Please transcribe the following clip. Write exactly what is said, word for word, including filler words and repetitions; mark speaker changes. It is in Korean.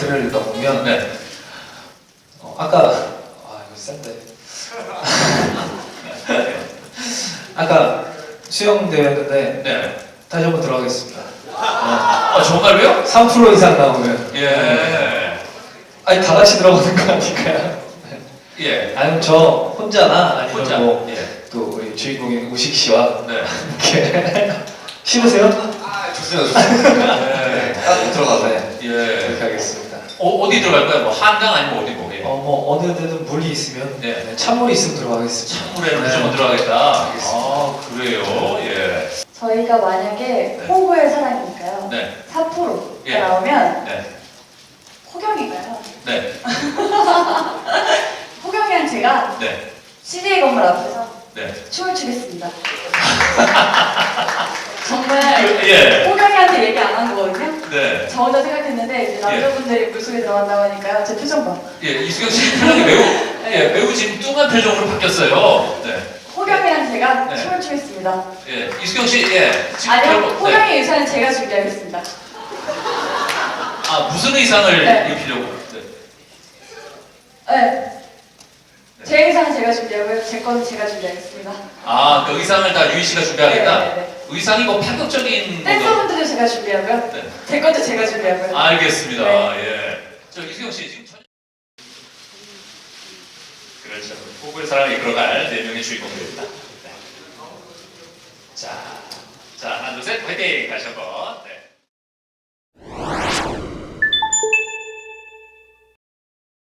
Speaker 1: 글을 읽다 보면
Speaker 2: 네.
Speaker 1: 어, 아까 아 이거 센데 아까 수영 대회였는데
Speaker 2: 네.
Speaker 1: 다시 한번 들어가겠습니다.
Speaker 2: 아, 정말로요?
Speaker 1: 삼 퍼센트 이상 나오면
Speaker 2: 예.
Speaker 1: 아니 다 같이 들어가는 거 아닐까요?
Speaker 2: 예.
Speaker 1: 아니면 저 혼자나 아니면
Speaker 2: 혼자.
Speaker 1: 뭐
Speaker 2: 예.
Speaker 1: 또 우리 주인공인 우식 씨와
Speaker 2: 네.
Speaker 1: 이렇게 싫으세요?
Speaker 3: 아, 좋습니다, 좋습니다.
Speaker 2: 네.
Speaker 3: 딱 들어가서.
Speaker 1: 네.
Speaker 2: 예.
Speaker 1: 그렇게 하겠습니다.
Speaker 2: 어, 어디 들어갈 거야? 뭐 한강 아니면 어디 뭐? 예.
Speaker 1: 어 뭐 어느 데든 물이 있으면
Speaker 2: 네.
Speaker 1: 네, 찬물이 있으면 들어가겠습니다.
Speaker 2: 찬물에는
Speaker 1: 네.
Speaker 2: 무조건 들어가겠다.
Speaker 1: 알겠습니다.
Speaker 2: 아, 그래요? 예.
Speaker 4: 저희가 만약에
Speaker 2: 네.
Speaker 4: 호구의 사랑이니까요.
Speaker 2: 네.
Speaker 4: 사 퍼센트가
Speaker 2: 예.
Speaker 4: 나오면
Speaker 2: 네.
Speaker 4: 호경이가요.
Speaker 2: 네.
Speaker 4: 호경이랑 제가
Speaker 2: 네.
Speaker 4: 씨디에이 건물 앞에서
Speaker 2: 네.
Speaker 4: 춤을 추겠습니다. 정말
Speaker 2: 예.
Speaker 4: 호경이한테 얘기 안 한 거거든요.
Speaker 2: 네.
Speaker 4: 저 혼자 생각했는데 이제 남자분들이 물속에 들어간다고 하니까요. 제 표정 봐.
Speaker 2: 예. 이수경 씨 표정이 매우, 예, 매우 지금 뚱한 표정으로 바뀌었어요. 네.
Speaker 4: 호경이랑 제가
Speaker 2: 네.
Speaker 4: 춤을 추겠습니다.
Speaker 2: 예. 이수경 씨, 예. 지금
Speaker 4: 아니요,
Speaker 2: 결국- 네.
Speaker 4: 호경이 의사는 제가 준비하겠습니다.
Speaker 2: 아, 무슨 의상을
Speaker 4: 네.
Speaker 2: 입히려고? 네.
Speaker 4: 네. 제 의상은 제가 준비하고요. 제 거는 제가 준비하겠습니다.
Speaker 2: 아, 그 의상을 다 유희 씨가 준비하겠다?
Speaker 4: 네, 네, 네.
Speaker 2: 의상이 뭐 파격적인 거죠?
Speaker 4: 댄서분들도 제가 준비하고요.
Speaker 2: 네.
Speaker 4: 제 것도 제가 준비하고요.
Speaker 2: 알겠습니다.
Speaker 4: 네.
Speaker 2: 예. 저 이수경 씨 지금 전... 그렇죠. 호구의 사랑을 이끌어갈 네 명의 주인공들입니다. 네. 자, 자 하나 둘 셋 화이팅 다시 한번. 네.